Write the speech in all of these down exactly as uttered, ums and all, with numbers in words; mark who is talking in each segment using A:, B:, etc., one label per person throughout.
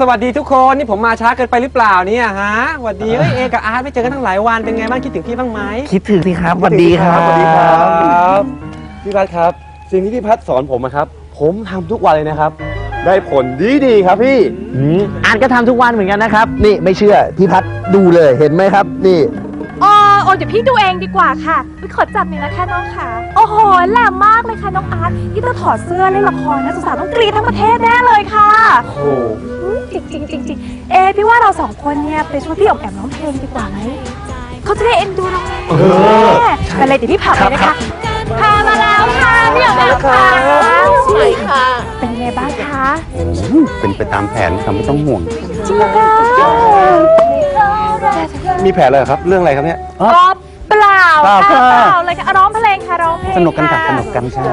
A: สวัสดีทุกคนนี่ผมมาช้าเกินไปหรือเปล่าเนี่ยฮะสวัสดีเอ้ยเอกับอาร์ตไม่เจอกันตั้งหลายวันเป็นไงบ้างคิดถึงพี่บ้างไหม
B: คิดถึงสิครับสวัสดีครับ
C: สวัสดีครับพี่พัดครับสิ่งที่พี่พัดสอนผมนะครับผมทำทุกวันเลยนะครับได้ผลดีดีครับพี่
B: อ่านก็ทำทุกวันเหมือนกันนะครับนี่ไม่เชื่อพี่พัดดูเลยเห็นไหมครับนี่
D: อ๋อโอ้เดี๋ยวพี่ดูเองดีกว่าค่ะพี่ขอจับหน่อยนะคะน้องค่ะโอ้โหแหลมมากเลยค่ะน้องอาร์ตที่ถ้าถอดเสื้อเล่นละครนะสาวๆต้องกรี๊ดทั้งประเทศแน่เลยค่ะ
C: โอ้โห
D: จริงจริงจริงจริงเอพี่ว่าเราสองคนเนี่ยไปช่วยพี่ออกแอมร้องเพลงดีกว่าไหมเขาจะได้เอ็นดูเราไงไปเลยเดี๋ยวพี่พาไปนะคะพามาแล้วค่ะพี่ออกแอมค่ะสวยค่ะเป็นไงบ้างคะ
E: เป็นไปตามแผนค่ะไม่ต้องห่วง
D: จริงเหรอคะ
C: มีแผลอะไรครับเรื่องอะไรครับเนี่ย
D: ก็เปล่าค่ะเปล่าเลยค่ะร้องเพลงค่ะร้องเพลง
E: สนุกกันค่ะสนุกกันใช่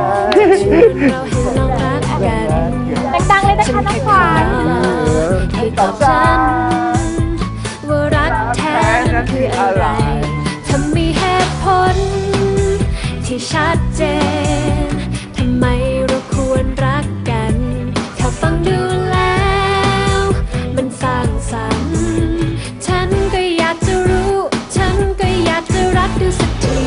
D: ดังๆเลยนะคะน้องขวัญ
F: ให้ตอบฉันว่ารักแท้นั้นคืออะไรถ้ามีเหตุผลที่ชัดเจนทำไมเราควรรักกันถ้าฟังดูแล้วมันสร้างสรรค์ฉันก็อยากจะรู้ฉันก็อยากจะรักดูสักที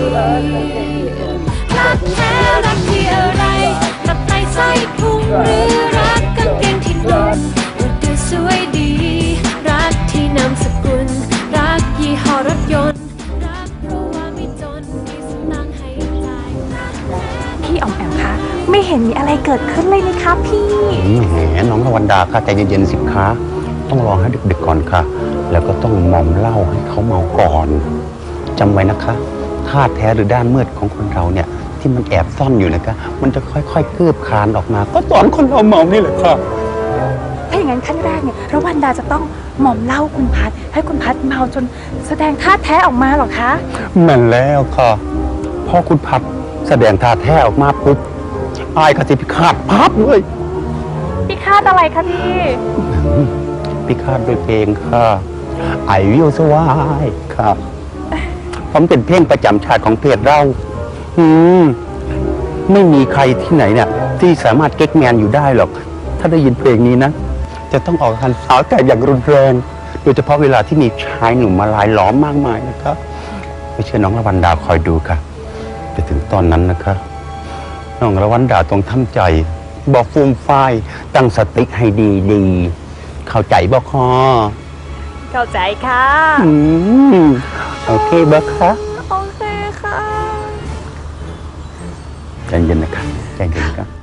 F: รักแท้รักที่อะไรรักในไส้พุงหรือรักกางเกงที่นุ่มรักดูสวยดีรักที่นามสกุลรักยี่ห้อรถยนต์รักเพราะว่าไม่จนมีสตางค์ให้จ่าย
D: พี่ออมแอมคะไม่เห็นมีอะไรเกิดขึ้นเลยนะคะพี่
E: แหมน้องละวันดาค่ะใจเย็นๆสิคะต้องรอให้ดึกๆก่อนค่ะแล้วก็ต้องมอมเหล้าให้เขาเมาก่อนจำไว้นะคะธาตุแท้หรือด้านมืดของคนเราเนี่ยที่มันแอบซ่อนอยู่นะคะมันจะค่อยๆคืบคลานออกมาก็ตอนคนเราเมานี่แหละค่ะ
D: ถ้าอย่างนั้นขั้นแรกเนี่ยระวันดาจะต้องหม่อมเหล้าคุณพัดให้คุณพัดเมาจนแสดงท่าแท้ออกมาหรอคะ
E: แม่นแล้วค่ะพอคุณพัดแสดงท่าแท้ออกมาปุ๊บอายก็จะพิฆาตพับเลย
D: พิฆาตอะไรคะพี่
E: พิฆาตโดยเพลงค่ะไอวิวสวายค่ะผมเป็นเพลงประจำชาติของเพจเราอืมไม่มีใครที่ไหนเนี่ยที่สามารถเก๊กแมนอยู่ได้หรอกถ้าได้ยินเพลงนี้นะจะต้องออกหันสาวแต่อย่างรุนแรงโดยเฉพาะเวลาที่มีชายหนุ่มมาลายล้อมมากมายนะครับไม่เชื่อน้องละวันดาคอยดูค่ะจะถึงตอนนั้นนะคะน้องละวันดาต้องทำใจบอกฟูมฝ้ายตั้งสติให้ดีดีเข้าใจบ่คอ
D: เข้าใจค่ะ
E: อืมโอเคบ่คะ
D: โอเคค่ะ
E: ใจเย็นนะครับใจเย็นครับ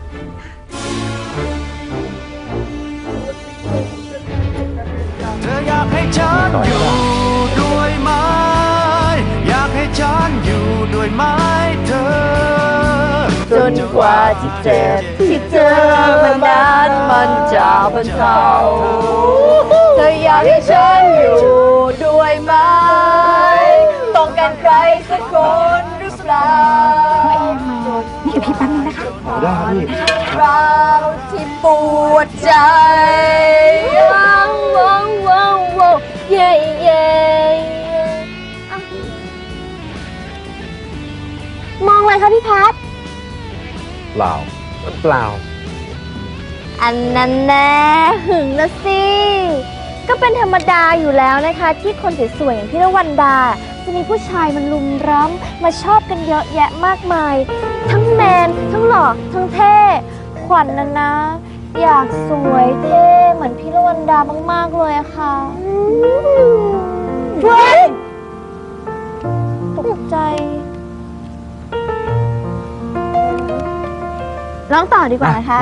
G: เธออยากให้ฉันอยู่ด้วยไหมอยากให้ฉันอยู่ด้วยไหมเธอ
H: จนกว่าที่เจ็บที่เจอมันนั้นมันจะบรรเทาเธออยากให้ฉันอยู่ด้วยไหมต้องการใครสักคนหรือเปล่า
D: นี่กับพี่แป๊บนึงนะคะ
C: ได้ครับพี่
H: เราที่ปวดใจว้าวว้าวว้าวว้าวเย่เย่
D: มองเลยค่ะพี่พัด
C: เปล่าเปล่า
H: อันนั้นแน่หึงนะสิก็เป็นธรรมดาอยู่แล้วนะคะที่คนสวยๆอย่างพี่ละวันดาจะมีผู้ชายมันลุมร้ำมาชอบกันเยอะแยะมากมายทั้งแมนทั้งหล่อทั้งเท่ขวัญนะนะอยากสวยเท่เหมือนพี่ละวันดามากๆเลยอะค่ะเฮ้ยตกใจร้องต่อดีกว่านะคะ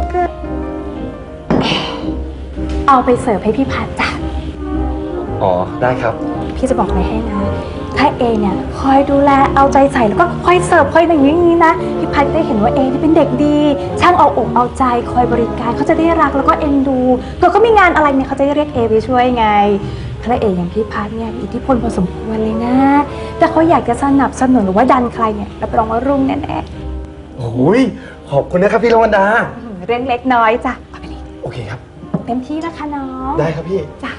D: เอาไปเสิร์ฟให้พี่พัดจ้ะ
C: อ๋อได้ครับ
D: พี่จะบอกอะไรให้นะถ้าเอเนี่ยคอยดูแลเอาใจใส่แล้วก็คอยเสิร์ฟคอยอย่างนี้นะพี่พัดได้เห็นว่าเอที่เป็นเด็กดีช่างเอาอกเอาใจคอยบริการเขาจะได้รักแล้วก็เอ็นดูเกิดเขามีงานอะไรเนี่ยเขาจะเรียกเอไปช่วยไงพระเอกอย่างพี่พัดเนี่ยอิทธิพลพอสมควรเลยนะแต่เขาอยากจะสนับสนุนหรือว่าดันใครเนี่ยรับรองว่ารุ่งแน่
C: ๆโอ้ยขอบคุณนะครับพี่ละวันดา
D: เรื่องเล็กน้อยจ้ะเอาไปดิ
C: โอเคครับ
D: เต็มที่นะคะน้อง
C: ได้ครับพี่
D: จ้ะ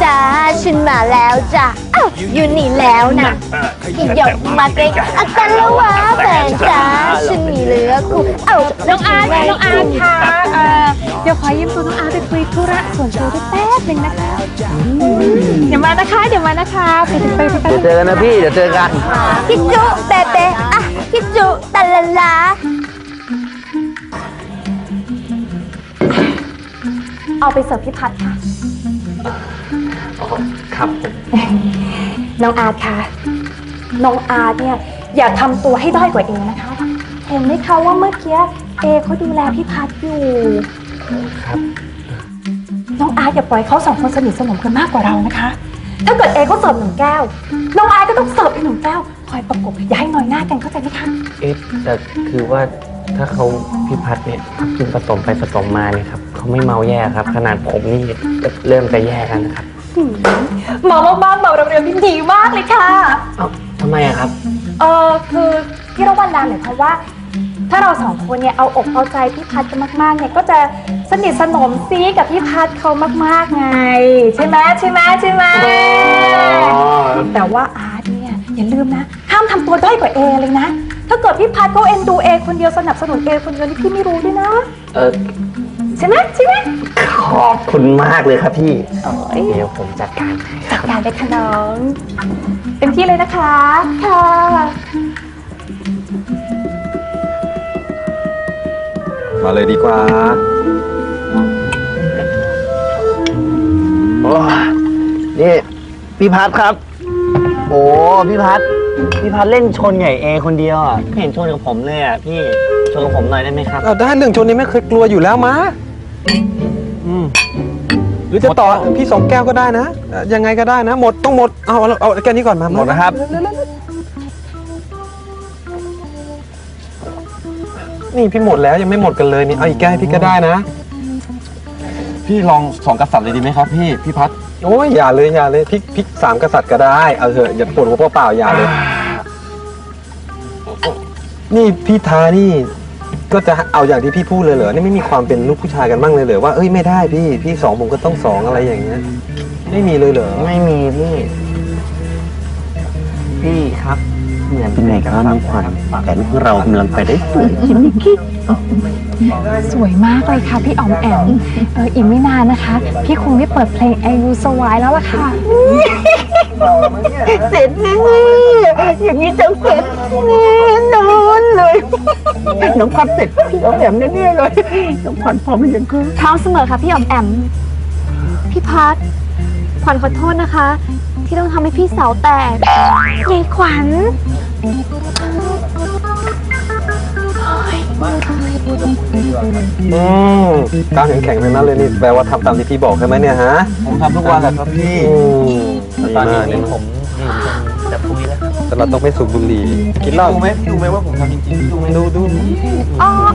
H: จ้าฉันมาแล้วจ้ะอ้าวอยู่นี่แล้วนะกินหยกมาเกรงอากันแล้ววะแฟนจ้าฉันมีเหลือคู่เอ้า
D: น้องอาร์ตน้องอาร์ตค่ะเอ่อเดี๋ยวขอยืมตัวน้องอาร์ตไปคุยธุระส่วนตัวด้วยแป๊บหนึงนะคะเดี๋ยวมานะคะ เดี๋ยวมานะคะไปถึงไปไปไป
B: เดี๋ยวเจอกันนะพี่ เดี๋ยวเจอกัน
H: พี่จุเปเปอ่ะพี่จุตะละลา
D: เอาไปเสิร์ฟพี่พัดค่ะ
A: ครับ
D: น้องอาร์ตค่ะ น้องอาร์ตเนี่ยอย่าทำตัวให้ด้อยกว่าเอนะคะ เห็นไหมคะว่าเมื่อกี้เอเขาดูแลพี่พัดอยู่
A: ครับ
D: น้องอาร์ตอย่าปล่อยเขาสองคนสนิทสนมกันมากกว่าเรานะคะ ถ้าเกิดเอเขาเสิร์ฟหนึ่งแก้ว น้องอาร์ตก็ต้องเสิร์ฟอีกหนึ่งแก้ว คอยประกบอย่าให้น้อยหน้ากันเข้าใจไหมคะ
I: เอ๊ะแต่คือว่าถ้าเขาพี่พัดเนี่ยกินผสมไปผสมมาเนี่ยครับเขาไม่เมาแย่ครับ ขนาดผมนี่เริ่มจะแย่กันนะครับ
D: เมามากๆเมาเร็วๆนี่ดีมากเลยค่ะ
I: เอ้าทำไมอะครับ
D: เออคือพี่ระวันดาหมายความว่า ถ้าเราสองคนเนี่ยเอาอกเอาใจพี่พัดกันมากๆเนี่ยก็จะสนิทสนมซีกับพี่พัดเขามากๆไง ใช่ไหมใช่ไหมใช่ไหมแต่ว่าอาร์ตเนี่ยอย่าลืมนะห้ามทำตัวด้อยกว่าเอเลยนะ ถ้าเกิดพี่พัดเขาเอ็นดูเอคนเดียวสนับสนุนเอคนเดียวนี่พี่ไม่รู้ด้วยนะ
I: เออ
D: ใช่ไหมใช่ไหม
I: ขอบคุณมากเลยครับพี่ เดี๋ยวผมจัดการให้ค
D: จั
I: รั
D: ด
I: บ
D: การเลยค่ะน้องเต็มที่เลยนะคะค่ะ
A: มาเลยดีกว่า
B: โอ้นี่พี่พัดครับ โอ้พี่พัดพี่พัดเล่นชนใหญ่เอคนเดียวอ่ะไม่เห็นชนกับผมเลยอ่ะพี่ชนกับผมหน่อยได้ไหมครับ
A: เอาได้เรื่องชนนี้ไม่เคยกลัวอยู่แล้วมาอืมหรือจะต่อพี่สองแก้วก็ได้นะเอ่อยังไงก็ได้นะ หมดต้องหมด เอาเอาเอาแก้วนี้ก่อนมา
B: หมดนะครับ
A: นี่พี่หมดแล้วยังไม่หมดกันเลยนี่ เอาอีกแก้วให้พี่ก็ได้นะ
C: พี่ลองสองกษัตริย์เลยดีไหมครับพี่พี่พัด
A: โอ้ยอย่าเลยอย่าเลยพริกพริกสามกษัตริย์ก็ได้ เอาเถอะอย่าปวดหัวเปล่าๆอย่าเลย นี่พี่ทานี่ ก็จะเอาอย่างที่พี่พูดเลยเหรอ นี่ไม่มีความเป็นลูกผู้ชายกันบ้างเลยเหรอว่าเอ้ยไม่ได้พี่พี่สองผมก็ต้องสองอะไรอย่างเงี้ย ไม่มีเลยเหรอ
B: ไม่มีพี่ พี่ครับเหมือน
E: เป็นไงครับน้องขวัญแผนของเรากำลังไปได้สวย
D: สวยมากเลยค่ะพี่อ๋อมแอมเอออีกไม่นานนะคะ พี่คงได้เปิดเพลงไอรูสวายแล้วล่ะค่ะ
B: เสร็จแน่อย่างนี้จะเสร็จแน่นอนเลย น้องพัดเสร็จพี่เอาแหมแน่ๆเลยน้องขวัญพร้อมหรือยังคะ
H: พร้อมเสมอค่ะพี่อ๋อมแอม พี่พัดขวัญขอโทษนะคะ ที่ต้องทำให้พี่เสาแตกยายขวัญ
A: อืมกล้ามแข็งๆทั้งนั้นเลยนี่แปลว่าทำตามที่พี่บอกใช่ไหมเนี่ยฮะ
C: ผมทำทุกวันแหละครับพี่
A: อืมดี
B: ตอน
A: มาก
B: นี้ผมจะคุยแล้ว
A: แต่เราต้องไม่สูบบุหรี่กินเหล้า
C: ดูไหมดูไหมว่าผมทำจริงๆดูไหม
A: ดูดู
D: อ๋อ